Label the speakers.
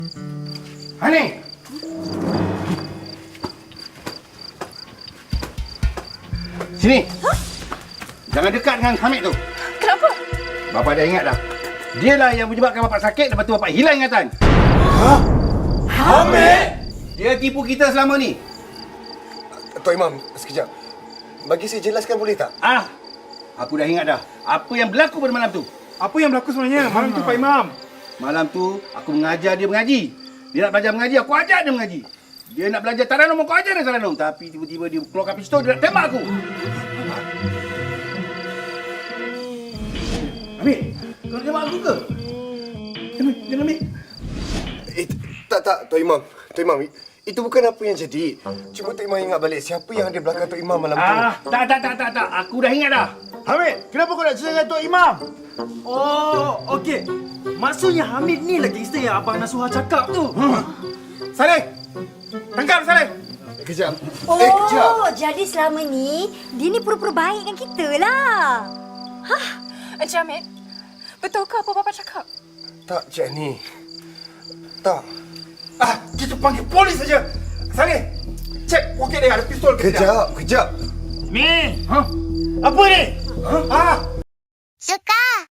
Speaker 1: Hani? Sini. Jangan dekat dengan Hamid tu.
Speaker 2: Kenapa?
Speaker 1: Bapa dah ingat dah. Dialah yang menyebabkan bapak sakit, lepas tu bapak hilang ingatan.
Speaker 3: Hamid!
Speaker 1: Dia tipu kita selama ni.
Speaker 3: Tok Imam, sekejap. Bagi saya jelaskan boleh tak?
Speaker 1: Aku dah ingat dah. Apa yang berlaku pada malam tu?
Speaker 4: Apa yang berlaku sebenarnya malam tu Pak Imam?
Speaker 1: Malam tu aku mengajar dia mengaji. Dia nak belajar mengaji, aku ajar dia mengaji. Dia nak belajar taranum, aku ajar dia taranum. Tapi tiba-tiba dia keluarkan pistol, dia nak tembak aku. Hamid, kau nak tembak aku ke? Jangan ambil.
Speaker 3: Tak, Tok Imam. Tok Imam, itu bukan apa yang jadi. Cuma Tok Imam ingat balik siapa yang ada belakang Tok Imam malam tu.
Speaker 1: Tak. Aku dah ingat dah.
Speaker 4: Hamid, kenapa kau nak cerita dengan Tok Imam? Oh, okey. Maksudnya Hamid ni lah gangster yang Abang Nasuha cakap tu.
Speaker 1: Saleh! Tangkap Saleh!
Speaker 3: Kejap.
Speaker 5: Oh,
Speaker 3: Kejap.
Speaker 5: jadi selama ni dia ni pura-pura baik dengan kita lah.
Speaker 2: Encik Hamid, betulkah apa Bapa cakap?
Speaker 3: Tak, Cik Ni. Tak.
Speaker 4: Kita panggil polis saja. Saleh, cek poket dia ada pistol ke tidak?
Speaker 3: Kejap.
Speaker 4: Ni, apa ni?
Speaker 5: Suka.